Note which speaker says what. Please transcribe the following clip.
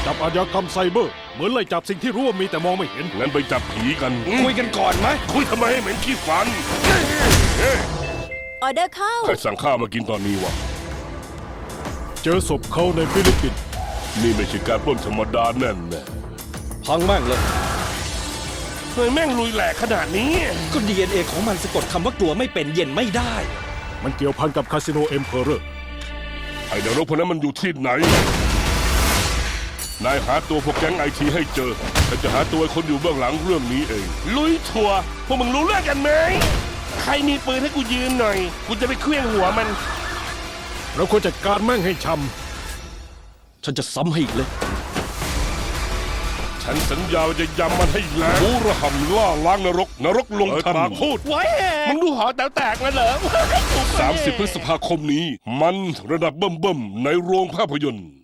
Speaker 1: จับอาชญากรรมไซเบอร์เหมือนไล่จับสิ่งที่รู้ว่ามีแต่มองไม่เห็น
Speaker 2: งั้นไปจับผีกัน
Speaker 3: คุยกันก่อนไหม
Speaker 2: คุยทำไมให้เหม็นขี้ฟันเฮ้ย
Speaker 4: ออเดอร์เข้า
Speaker 2: ใครสั่งข้าวมากินตอนนี้วะ
Speaker 1: เจอศพเขาในฟิลิปปินส์
Speaker 2: นี่ไม่ใช่การปล้นธรรมดาแน่นแน่
Speaker 3: พังแม่งเลย
Speaker 2: เฮ้ยแม่งลุยแหลกขนาดนี้
Speaker 3: ก็ DNA ของมันสะกดคำว่ากลัวไม่เป็นเย็นไม่ได้
Speaker 1: มันเกี่ยวพันกับคาสิโนเอ็มเพอเรอร์
Speaker 2: ไอ้นรกพวกนั้นมันอยู่ที่ไหน นายหาตัวพวกแก๊งไอทีให้เจอฉันจะหาตัวคนอยู่เบื้องหลังเรื่องนี้เอง ลุยทัวร์พวกมึงรู้เรื่องกันไหม ใครมีปืนให้กูยืนหน่อย กูจะไปเคลื่องหัวมัน
Speaker 1: เราควรจัดการแม่งให้ช้
Speaker 3: ฉันจะซ้ำให้อีกเลย
Speaker 2: ฉันสัญญาว่าจะยำมันให้แหลกรู้ระห่ำล่าล้างนรก นรกลงทันพูด
Speaker 4: ไว้
Speaker 2: มึงดูหอแต๋วแตกมาเหรอ 30 พฤษภาคมนี้ มันระดับเบิ่มๆในโรงภาพยนตร์